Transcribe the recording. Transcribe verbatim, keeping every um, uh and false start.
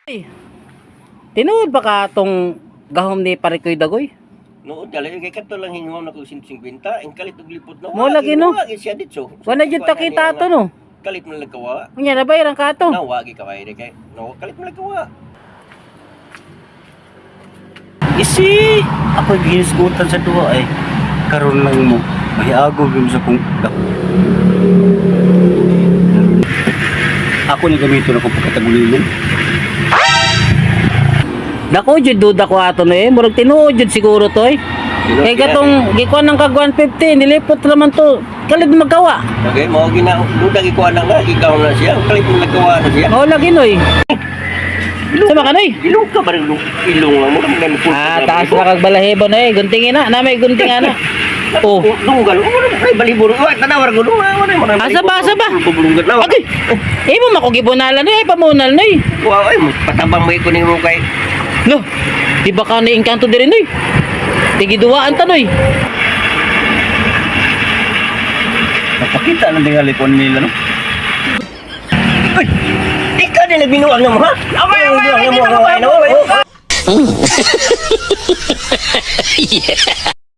Tinuod ba ka tong gahom ni Parikoy Dagoy? Nood dala kay kadto lang hingaw na ko one hundred fifty, ang kalit og lipot na. Mo lagi, no? Wagi siya ditso. Wala jud takita ato no. Kalit man lang kawa. Unya na bayaran ka ato. Na wagi kaway de kay. No, kalit man lang kawa. Isi ako ginisgutan sa duwa ay karon lang mo mahiago gyud sa kung ako ni gamito na ko pagkatagulilong. Dako jud duda ko ato no eh, murag tinuod jud siguro to eh. Kay katong gikuan ng kag one fifty nilipot naman to. Kalid magkawa. Okay, mo gina duda gi kuan na nga ikaw na siya. Kalit man lang kawa na siya. Mao lagi noy. Sama ka noy. Ilong ka ba rin ilong lang mo man po. Ah, taas na kag balahibo na eh, guntingin na, na may gunting ana. Oh. Dunggal. Ay baliburo. Ay tanawar ko dunggal. Asa ba, asa ba? Bubulungan na. Okay. Eh mo mako gibunalan noy, ay pamunal noy. Wow, ay patabang mo ikunin mo kay. Lo, di ba ka ni-engkanto diri noy? Tigiduwaan ta noy. Napakita ng tingali ko nila no. Ay, ikaw nila binuang na mo ha? Away, away, away, away, away, away, away.